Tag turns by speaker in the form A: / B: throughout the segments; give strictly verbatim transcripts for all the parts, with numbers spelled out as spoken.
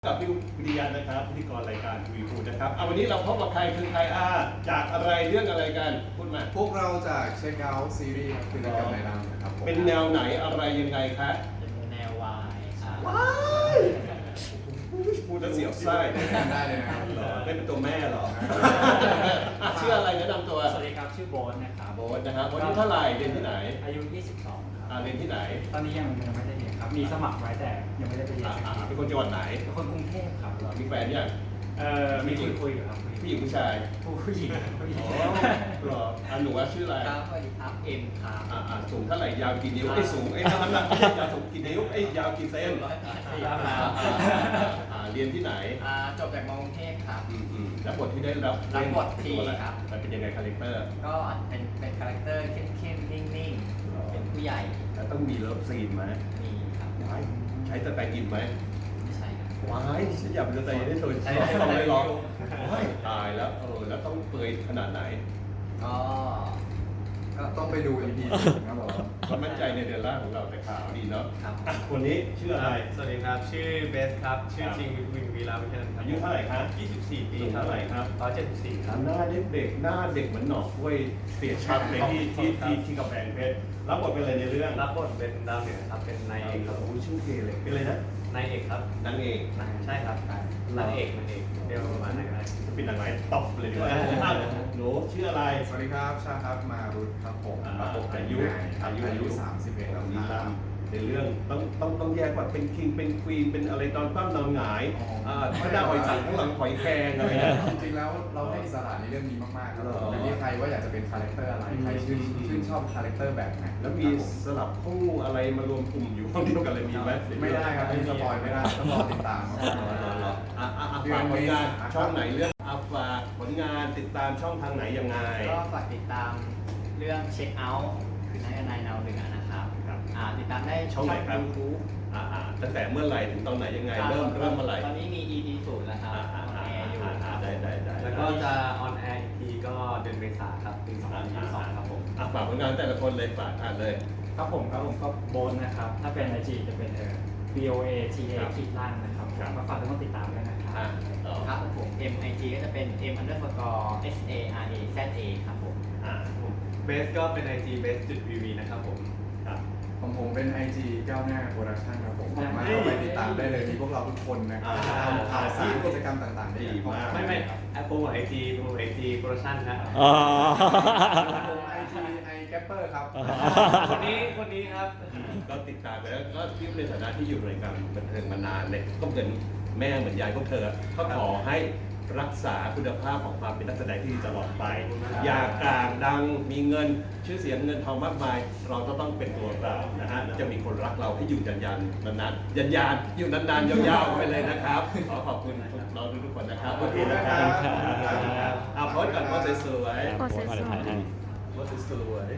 A: กับพี่วิริยันนะครับพิธีกรรายการทีวีพูดนะครับเอาวันนี้เราพบกับใครคือใครอ่าจากอะไรเรื่องอะไรกันพูดมา
B: พวกเราจากเช็คเอาท์ซีรีส์ครับคือรายการไหนนำนะครับผม
A: เป็นแนวไหนอะไรยังไงคะ
C: เป็นแนววายครับ
A: ว้ายพูดแล้วเสียวไส้
B: ได้เลยนะครับ
A: เหรอไม่เป็นตัวแม่เหรออ่ะชื่ออะไรแนะนำตัว
C: สวัสดีครับชื่อโบ๊ทนะครับ
A: โบ๊ทนะครับวันนี้เท่าไหร่เรียนที่ไหน
C: อายุ ยี่สิบสอง ครับ
A: อ่าเรียนที่ไหน
C: ตอนนี้ยังยังไม่ได้เรียนครับมีสมัครไว้แต่ยังไม่ได้ไปเรียน
A: อ่าเป็นคนจังหวัดไหน
C: เป็นคนกรุงเทพครับ
A: เหรอมีแฟนยัง
C: เอ่อมีคุยคุยอยู่ครับ
A: ผู้หญิงผู้ชาย
C: ผู้หญิงผู้หญิง
A: อ๋อเหรออ่ะหนูว่าชื่ออะไร
C: ครับสวัสดีครับเอ็มครับ
A: อ่าอ่าสูงเท่าไหร่ยาวกี่นิ้วไอ้สูงไอ้น้ำหนักยาวสูงกี่นิ้วไอ้ยาวกี่เซน
C: ร้อยแปดสิบ
A: อ่า
C: ครับ
A: อ่าเรียนที่ไหน
C: อ่าจบจากมอกรุงเทพครับ
A: อืมอืมแล้วบทที่ได้รับ
C: รับบททีครับ
A: มันเป็นยังไงคาแรคเตอร์
C: ก็เป็นเป็นคาแรคเตอร์เข้มเข้มนิ่งนิ่งเป็นผู้ใหญ่
A: แล้วต้องมีเลิฟซีนไหม
C: มีครับ
A: ใช้สไตล์อินไหม
C: ไม่ใช่ครับ
A: ว้ายฉันอยากเป็นสไตล์อินได้เธอ
C: ใช่
A: ต้องไม่ร้องว้ายตายแล้วเออแล้วต้องเปยขนาดไหน
C: ก็
B: ก็ต้องไปดู อี พี ครับผม
A: ก็มั่นใจในเดือนแรกของเราแต่ขาวดีเนาะ
C: ครับ
A: คนนี้ชื่ออะไร
D: สวัสดีครับชื่อเบสครับชื่อจริงวินวีราวิเทน
A: อายุเท่าไหร่ครับ
D: ยี่สิบสี่ปี
A: เท่าไหร่ครับ
D: หนึ่งเจ็ดสี่ครับ
A: หน้าเด็กเด็กหน้าเด็กเหมือนหนอกกล้วยเสียชัดเลยที่ที่ที่ที่กำแพงเพชรรับบทเป็นอะไรในเรื่อง
D: รับบทเป็นดาวเหนือครับเป็นนายเอกครับ
A: โอ้ชื่อเทเลยเป็นอะไรนะ
D: นายเอกครับ
A: นางเอก
D: ใช่ครับนางเอกนางเอกเดียวประมาณนั้นครับ
A: จะเป็นนางร้ายตบเลยดีกว่าหนูชื่ออะไร
B: สวัสดีครับชาครับมารุตครับผมรับบทเป็น
A: อายุ
B: อายุอายุสามสิบเอ็ด
A: แบ
B: แล้ว
A: บนี้ตา
B: ครับ
A: มในเรื่องต้องต้องต้องแยกว่าเป็นคิงเป็นควีนเป็นอะไรตอนปั้มนอนหงายอ่าข้างหน้าหอยสังข้างหลังหอยแครงอะไรเงี้ย
B: จริงๆแล้วเราให้อิสระในเรื่องนี้มากๆครับ
A: เหรอ
B: อยู่ที่ใครว่าอยากจะเป็นคาแรคเตอร์อะไรใครชื่นชื่นชอบคาแรคเตอร์แบบไหน
A: แล้วมีสลับคู่อะไรมารวมกลุ่มอยู่ห้องเดียวกันเลยมีไหม
B: ไม่ได้ครับไม่สปอยไม่ได้ต้องรอติดตามครับ
A: อ่ะอ่ะอ่ะฝากผลงานช่องไหนเรื่องอ่ะฝากผลงานติดตามช่องทางไหนยังไง
C: ก็ฝากติดตามเรื่องเช็คเอาท์คือนายนายนาวเหนือนะครับ
A: ครับ
C: อ่าติดตามได้
A: ช่องไหนครับ
C: ยูทูบ
A: อ่าอ่าตั้งแต่เมื่อไหร่ถึงตอนไหนยังไงเริ่มเริ่มเมื่อไหร่
C: ตอนนี้มี อี พี ศูนย์แล้วครับ
A: อ่า
C: อ
A: อ่า
C: อน
A: อ่า
C: แอร์อยู่
A: อ่า
C: ครับ
A: ได้ได้ได้
D: แล้วก็จะออนแอร์อีกทีก็เดือนเมษาครับปีสองพันยี่สิบสองครับผม
A: อ่ะฝากผลงานแต่ละคนเลยฝากอ่านเลย
C: ครับผมครับผมก็โบนนะครับ ถ้าเป็น ไอ จี จะเป็นเอ่อ B O A T A
A: ครับ
C: ขีดล่างนะครับ
A: ครับ
C: ก็ฝากทุกคนติดตามด้วยนะครั
A: อ่ะ
C: บ
A: ต่อ
C: ครับผม M I G ก็จะเป็น M underscore S A R A Z A ครับผม
A: อ่า
D: เบสก็เป็น ไอ จี เบสจุดวีวีนะครับผม
A: ครับ
B: ของผมเป็น ไอ จี ก้าวหน้าโปรดักชั่นครับผมสามารถเข้าไปติดตามได้เลยมีพวกเราทุกคนนะครับทำข่าวสารกิจกรรมต่างๆได้อย่างเข้า
D: ไม่ไม่แอปโปรโมทไอจีโปรโมทไอจีโปรดักชั่นนะ
E: อ๋อ
B: ไอจีไอแกปเปอร์ครับ
D: คนนี้คนนี้ครับ
A: ก็ติดตามไปแล้วก็ที่ในฐานะที่อยู่ในการบันเทิงมานานเลยก็เหมือนแม่เหมือนยายพวกเธอก็ขอให้รักษาคุณภาพของความเป็นนักแสดงที่ดีตลอดไป อย่ากลางดังมีเงินชื่อเสียงเงินทองมากมาย เราก็ต้องเป็นตัวเรานะฮะจะมีคนรักเราให้อยู่ยันยันนานๆยันยันอยู่นานๆยาวๆไปเลยนะครับขอขอบคุณเราทุกคนนะครับขอบคุณนะครับเอาโพสก่อนโพสสวยๆ
E: โพสต์มาเดี๋ยวถ่ายให้
A: โพสสวย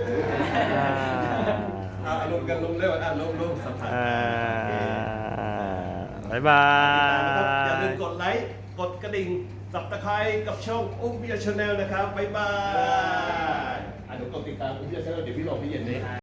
A: ๆอ่าลงกันลงเร็วอ่ะลงลงสัมผัส
E: อ่าบ๊ายบาย
A: อย่าลืมกดไลค์ กดกระดิ่ง สับตะไคร้กับช่องอุ้มพิยาชาแนลนะครับ บ๊ายบายอ่ะหนูกดติดตามอุ้มพิยาชาแนลเดี๋ยวพี่ลงพี่เย็นนี้